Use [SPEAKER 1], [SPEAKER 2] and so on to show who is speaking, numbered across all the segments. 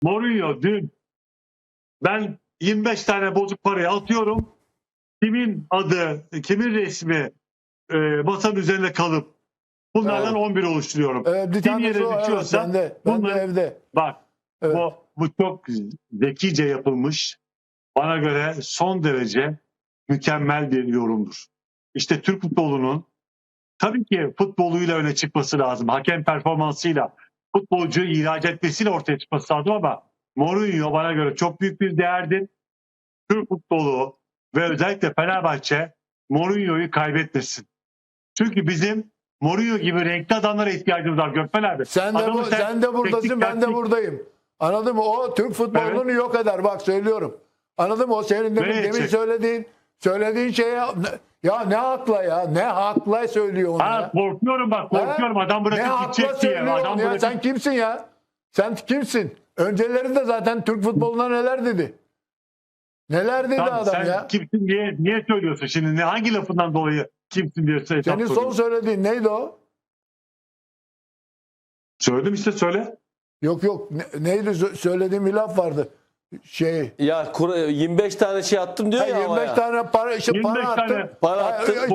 [SPEAKER 1] Mourinho dün ben 25 tane bozuk parayı atıyorum. Kimin adı, kimin resmi masanın üzerinde kalıp bunlardan 11 oluşturuyorum.
[SPEAKER 2] Bir
[SPEAKER 1] Kim
[SPEAKER 2] tanesi
[SPEAKER 1] yere
[SPEAKER 2] o, evet,
[SPEAKER 1] düşüyorsa
[SPEAKER 2] bende
[SPEAKER 1] bunlar,
[SPEAKER 2] evde.
[SPEAKER 1] bak
[SPEAKER 2] Evet.
[SPEAKER 1] bu çok zekice yapılmış. Bana göre son derece mükemmel bir yorumdur. İşte Türk futbolunun tabii ki futboluyla öne çıkması lazım. Hakem performansıyla, futbolcuyu ihraç etmesiyle ortaya çıkması lazım ama Mourinho bana göre çok büyük bir değerdir. Türk futbolu ve özellikle Fenerbahçe Mourinho'yu kaybetmesin. Çünkü bizim Mourinho gibi renkli adamlara ihtiyacımız var Gökmen abi.
[SPEAKER 2] Sen de buradasın, ben de buradayım. Anladın mı? O Türk futbolunu yok eder. Bak söylüyorum. Anladın mı? O senin demin söylediğin şeye ya ne hakla ya? Ne hakla söylüyor onu ya?
[SPEAKER 1] Korkuyorum bak, korkuyorum. Adam bırakıp gidecek diye. Adam
[SPEAKER 2] ya? Sen kimsin ya? Sen kimsin? Öncelerinde zaten Türk futboluna neler dedi? Neler dedi
[SPEAKER 1] tamam,
[SPEAKER 2] adam
[SPEAKER 1] sen
[SPEAKER 2] ya?
[SPEAKER 1] kimsin diye niye söylüyorsun şimdi? Hangi lafından dolayı kimsin diye
[SPEAKER 2] Senin son söylediğin neydi o?
[SPEAKER 1] Söyledim işte, söyle.
[SPEAKER 2] Yok. Neydi söylediğim bir laf vardı.
[SPEAKER 3] Ya 25 tane şey attım diyor ya
[SPEAKER 2] 25
[SPEAKER 3] havaya.
[SPEAKER 2] tane para, para attım.
[SPEAKER 3] Para attım.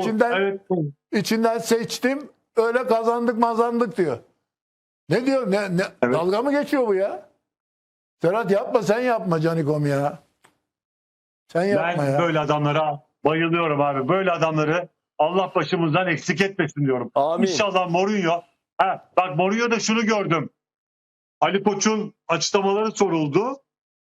[SPEAKER 2] İçinden seçtim. Öyle kazandık diyor. Ne diyor?
[SPEAKER 1] Evet.
[SPEAKER 2] Dalga mı geçiyor bu ya? Serhat yapma, sen yapma Canikom ya. Sen yapma
[SPEAKER 1] Ben
[SPEAKER 2] ya.
[SPEAKER 1] böyle adamlara bayılıyorum abi. Böyle adamları Allah başımızdan eksik etmesin diyorum.
[SPEAKER 3] Amin.
[SPEAKER 1] İnşallah Mourinho. Bak Mourinho'da şunu gördüm. Ali Koç'un açıklamaları soruldu.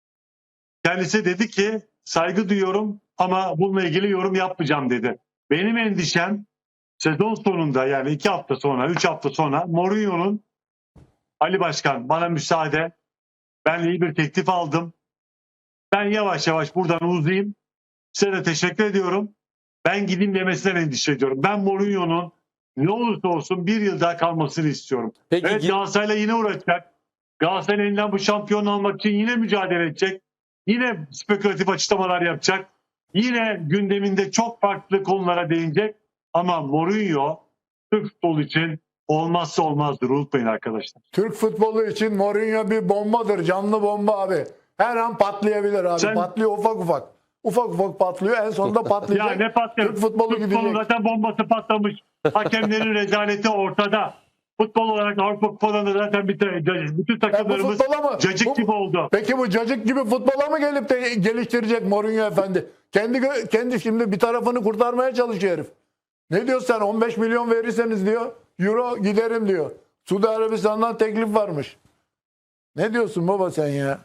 [SPEAKER 1] Kendisi dedi ki saygı duyuyorum ama bununla ilgili yorum yapmayacağım dedi. Benim endişem sezon sonunda, yani 2 hafta sonra, 3 hafta sonra Mourinho'nun Ali Başkan bana müsaade, ben iyi bir teklif aldım. Ben yavaş yavaş buradan uzayayım. Size de teşekkür ediyorum. Ben gideyim demesinden endişe ediyorum. Ben Mourinho'nun ne olursa olsun bir yıl daha kalmasını istiyorum.
[SPEAKER 3] Peki,
[SPEAKER 1] Evet, Galatasaray'la yine uğraşacak. Galatasaray'ın elinden bu şampiyonu almak için yine mücadele edecek. Yine spekülatif açıklamalar yapacak. Yine gündeminde çok farklı konulara değinecek. Ama Mourinho Türk futbolu için olmazsa olmazdır. Unutmayın arkadaşlar.
[SPEAKER 2] Türk futbolu için Mourinho bir bombadır. Canlı bomba abi. Her an patlayabilir abi. Patlıyor ufak ufak. Ufak ufak patlıyor. En sonunda patlayacak.
[SPEAKER 1] Ya ne patlıyor?
[SPEAKER 2] Türk futbolu gidecek.
[SPEAKER 1] Zaten bombası patlamış. Hakemlerin rezaleti ortada. Futbol olarak Avrupa Kupalarında zaten bütün takımlarımız cacık gibi oldu.
[SPEAKER 2] Peki bu cacık gibi futbola mı gelip de geliştirecek Mourinho efendi? Kendi şimdi bir tarafını kurtarmaya çalışıyor herif. Ne diyorsun sen? 15 milyon verirseniz diyor, euro giderim diyor. Suudi Arabistan'dan teklif varmış. Ne diyorsun baba sen ya?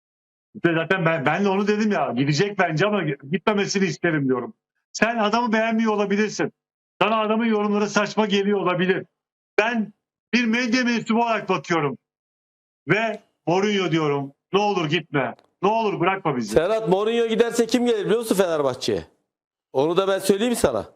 [SPEAKER 1] Zaten ben de onu dedim ya, gidecek bence ama gitmemesini isterim diyorum. Sen adamı beğenmiyor olabilirsin. Sana adamın yorumları saçma geliyor olabilir. Ben bir medya mensubu olarak bakıyorum. Ve Mourinho diyorum. Ne olur gitme. Ne olur bırakma bizi.
[SPEAKER 3] Serhat, Mourinho giderse kim gelir biliyor musun Fenerbahçe'ye? Onu da ben söyleyeyim sana.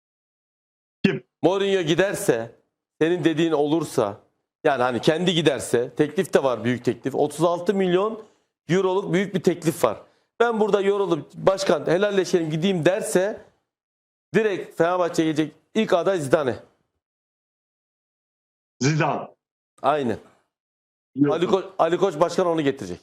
[SPEAKER 1] Kim?
[SPEAKER 3] Mourinho giderse, senin dediğin olursa, yani hani kendi giderse, teklif de var, büyük teklif. 36 milyon euroluk büyük bir teklif var. Ben burada yorulup başkan helalleşelim gideyim derse direkt Fenerbahçe'ye gelecek ilk aday Zidane.
[SPEAKER 1] Zidane.
[SPEAKER 3] Aynen. Ali Koç başkan onu getirecek.